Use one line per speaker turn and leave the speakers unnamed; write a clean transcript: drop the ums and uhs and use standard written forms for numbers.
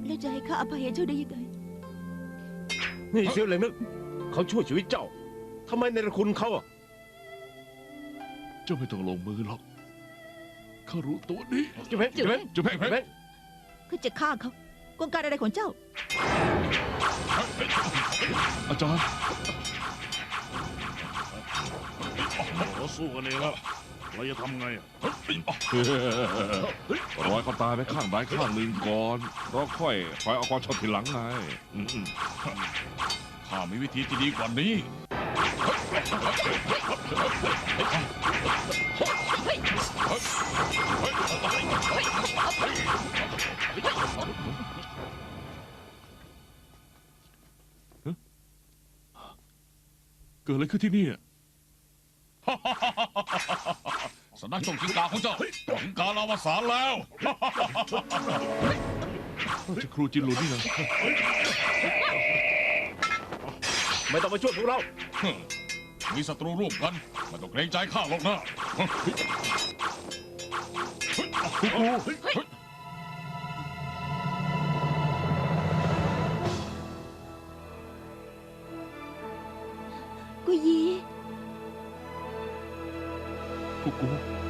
แล้วจะให้ข้าอภัยเจ้าได้ยังไง
นี่เสียวเหลงนึกเขาช่วยชีวิตเจ้าทำไมในระคุณเขาอ่ะ
เจ้าไม่ต้องลงมือหรอกข้ารู้ตัวดี
เจ้าเพชรเจ้าเพชร
เจ้าเพชร
เจ้าเพชร
ข้าจะฆ่าเขากลการอะไรของเจ้า
อาจารย์
เราสู้กันเองแล้วเราจะทำไงอะ
รอยเขาตายไปข้างใดข้างหนึ่งก่อนแล้วค่อยเอาความชอบทีหลังไง
ข้ามีวิธีที่ดีกว่านี้
เกิดอะไรขึ้นที่นี่อะ
สำนักชงกิงกาของเจ้าถึงการอวสานแล้ว
จะครูจินหลุนนี่นะ
ไม่ต้องมาช่วยพวกเรา
มีศัตรูร่วมกันไม่ต้องเกรงใจข้าหรอกนะ
กุยี
กู